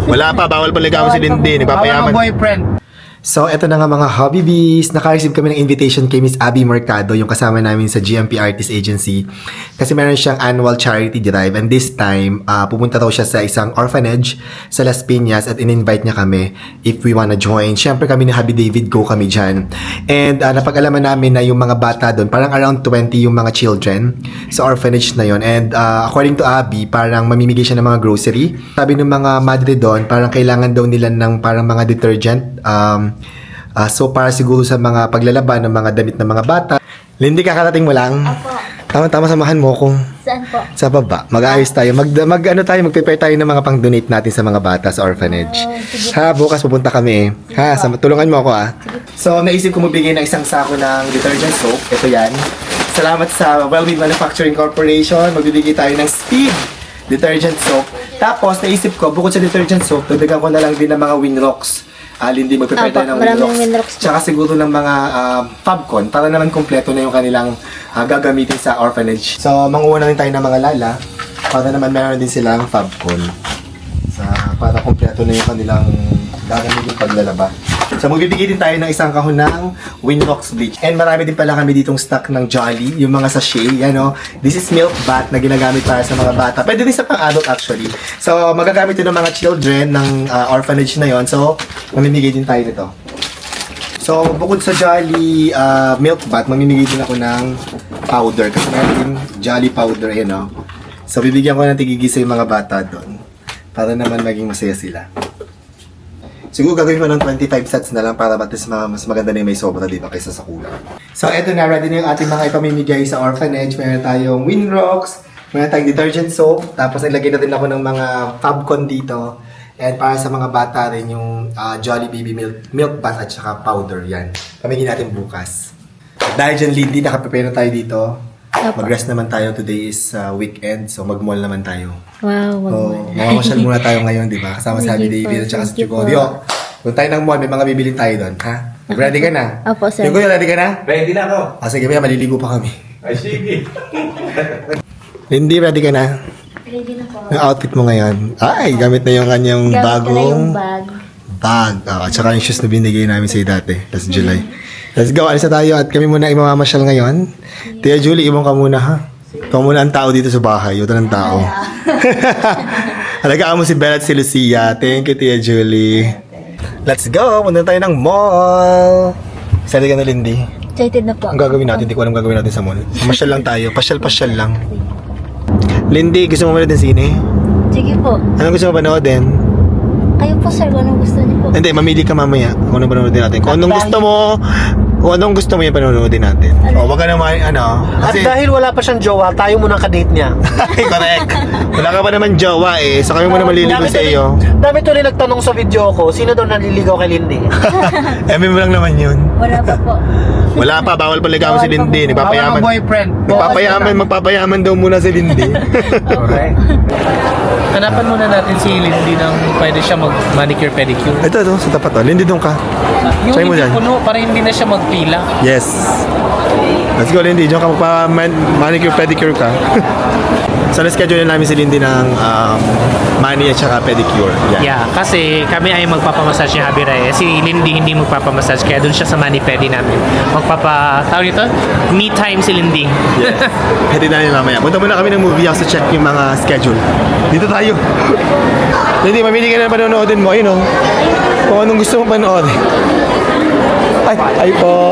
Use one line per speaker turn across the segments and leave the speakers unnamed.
Wala pa, bawal pa ligawan si Lindy. Nagpapayaman.
boyfriend.
So, eto na nga mga hobby bees. Naka-receive kami ng invitation kay Miss Abby Mercado, yung kasama namin sa GMP Artist Agency. Kasi meron siyang annual charity drive. And this time, pupunta daw siya sa isang orphanage sa Las Piñas at in-invite niya kami if we wanna join. Siyempre kami ni Happy David, go kami dyan. And napag-alaman namin na yung mga bata doon, parang around 20 yung mga children sa orphanage na yon. And according to Abby, parang mamimigay siya ng mga grocery. Sabi ng mga madre doon, parang kailangan daw nila ng parang mga detergent. So para siguro sa mga paglalaban ng mga damit ng mga bata. Lindy, kakarating mo lang?
Opo.
Tama-tama, samahan mo ko.
Saan po?
Sa baba. Mag-aayos tayo. Mag-prepare tayo ng mga pang-donate natin sa mga bata sa orphanage.
sige.
Ha, bukas pupunta kami. Ha, tulungan mo ako So, naisip ko magbigay ng isang sako ng detergent soap. Ito yan. Salamat sa Wellbeing Manufacturing Corporation. Magbibigay tayo ng Speed detergent soap. Tapos, naisip ko, bukod sa detergent soap, dagdagan ko na lang din ng mga Winrocks. Lindy, magprepare tayo ng
maraming
Winrocks.
Winrocks po.
Tsaka siguro ng mga Fabcon para naman kompleto na yung kanilang gagamitin sa orphanage. So, manguha na rin tayo ng mga lala para naman meron din silang Fabcon. Para kompleto na yung kanilang gagamitin paglalaba. So, magbibigay din tayo ng isang kahon ng Winrocks bleach. And marami din pala kami ditong stock ng Jolly, yung mga sachet. Yan, oh. This is milk bath na ginagamit para sa mga bata. Pwede din sa pang-adult actually. So, magagamit din ng mga children ng orphanage na yon. So, mamimigay din tayo nito. So, bukod sa Jolly milk bath, mamimigay din ako ng powder. Kasi meron din Jolly powder, yan, oh. So, bibigyan ko ng tigigisa yung mga bata doon. Para naman maging masaya sila. Siguro gagawin ko ng 25 sets na lang para mas maganda na yung may sobra dito kaysa sa kulang. So, eto na. Ready na yung ating mga ipamimigay sa orphanage. Meron tayong Winrocks, meron tayong detergent soap, tapos nilagay na din ako ng mga Fabcon dito. And para sa mga bata rin yung Jolly Baby milk bath at saka powder. Yan. Pamigin natin bukas. At dahil dyan, Lindy, nakaprepare na tayo dito. Mag-rest naman tayo. Today is weekend, so mag-mall naman tayo.
Wow,
Mamamasyal muna tayo ngayon, di ba? Kasama si Happy David at saka si Chugorio. Kung tayo ng mall, may mga bibilin tayo doon, ha? Ready ka na?
Opo, sir.
Chugorio, ready ka na?
Ready na ako.
Sige, may maliligo pa kami.
Ay, sige.
Lindy, ready ka na?
Ready na po.
Yung outfit mo ngayon. Ay, gamit na yung kanyang
Gamit ko na
bagong
yung bag.
at saka yung shoes na binigay namin sa'yo dati, last July. Let's go, alis na tayo at kami muna imamamasyal ngayon. Tia Julie, ibang ka muna ha. Ikaw muna ang tao dito sa bahay, ito ng tao. Alagaan mo si Bella at si Lucia. Thank you, Tia Julie. Let's go, punta tayo ng mall. Excited ka na, Lindy?
Excited na po.
Ang gagawin natin, hindi ko alam gagawin natin sa mall. Masyal lang tayo, pasyal-pasyal lang. Lindy, gusto mo manood ng sine?
Sige po.
Anong gusto mo panoodin?
Kayo po, sir, kung anong gusto niyo po.
Hindi, mamili ka mamaya kung anong panonoodin natin. Kung anong gusto mo yung panonoodin natin. O, wag ka naman,
At
kasi,
dahil wala pa siyang jowa, tayo muna ka-date niya.
correct. Wala ka pa naman jowa eh. Sa kayo mo na maliligo sa iyo.
Dami tuloy nagtanong sa video ko, sino daw naliligaw kay Lindy?
Eme mo lang naman yun.
Wala pa po.
Wala pa, bawal pa ligawan si Lindy. Nagpapayaman.
boyfriend.
Magpapayaman daw muna si Lindy.
Correct.
Hanapan muna natin si Lindy ng pwede siya mag-manicure pedicure.
Ito, sa tapat to. Lindy, doon ka.
Yung
Try mo
hindi
dyan.
puno para hindi na siya magpila.
Yes. Let's go, Lindy. Diyan ka magpa-manicure, pedicure ka. So, na-schedule na namin si Lindy ng mani at saka pedicure. Yan.
Yeah, kasi kami ay magpapamassage ni Javi Reyes. Si Lindy hindi magpapamassage kaya doon siya sa mani-pedi namin. Tawag nito? Me time si Lindy.
Yes. Hatid na namin mamaya. Punta muna kami ng movie house to check yung mga schedule. Dito tayo. Lindy, mamili ka na panonoodin mo. Ayun, oh. Kung anong gusto mong panoodin. Ay po.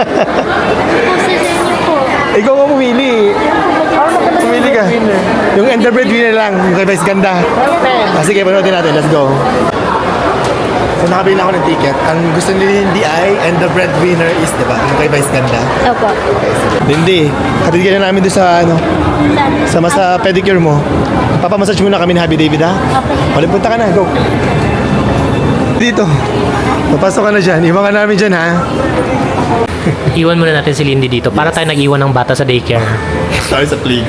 Ikaw ang pumili. Pumili ka. Yung Ender Breadwinner lang. Yung kay Vice Ganda. Sige, panoodin natin. Let's go. So, nakabili na ako ng ticket. Ang gusto ni Lindy ay Ender Breadwinner is, diba? Yung kay Vice Ganda.
Opo.
Lindy, hatid ka na namin doon sa sa pedicure mo. Papamassage muna kami ni Happy David, ha?
Okay.
Punta ka na, go. Dito. Papasok ka na dyan. Iwan ka namin dyan, ha?
Iwan muna natin si Lindy dito para tayo nag-iwan ng bata sa daycare.
Sorry sa plig.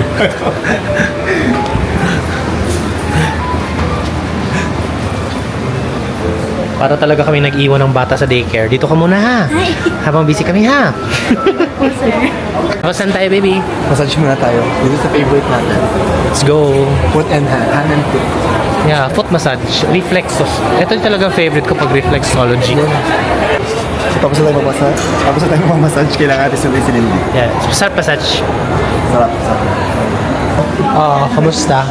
Para talaga kami nag-iwan ng bata sa daycare. Dito ka muna ha. Habang busy kami ha.
Po, sir.
O, saan tayo baby?
Massage muna tayo. Dito sa favorite natin.
Let's go.
Foot and hand and foot.
Yeah, foot massage. Reflexos. Ito yung talagang favorite ko pag reflexology.
Tapos na tayo mag-massage, kailangan natin sundin si Lindy.
Yeah, sarap massage.
Sarap, sarap.
Kamusta?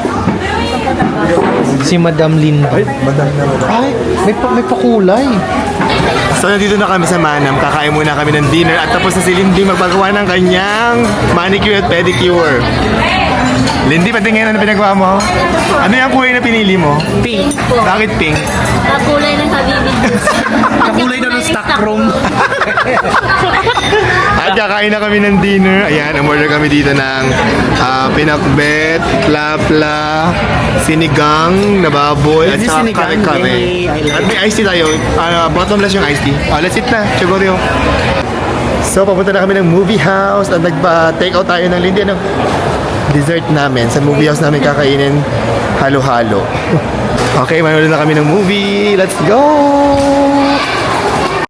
Si Madam Lindy.
Ay, madami na madami.
Ay, may pakulay.
So nandito na kami sa Manam, kakain muna kami ng dinner at tapos na si Lindy magpagawa ng kanyang manicure at pedicure. Lindy, patingin ano pinagawa mo? Ano yung kulay na pinili mo?
Pink.
Bakit pink?
Kakulay ng Habibi Juice.
Kakulay daw ng stock room.
At kakain na kami ng dinner. Ayan, umorder kami dito ng pinakbet, plapla, sinigang na baboy, at
Is this
saka
sinigang?
kare-kare.
Yay, I like
At may iced tea tayo. Bottomless yung iced tea. Let's eat na. Siguro. So, papunta na kami ng movie house at nagpa-take out tayo ng Lindy. Ano? Dessert namin. Sa movie house namin kakainin halo-halo. Okay, manood na kami ng movie. Let's go!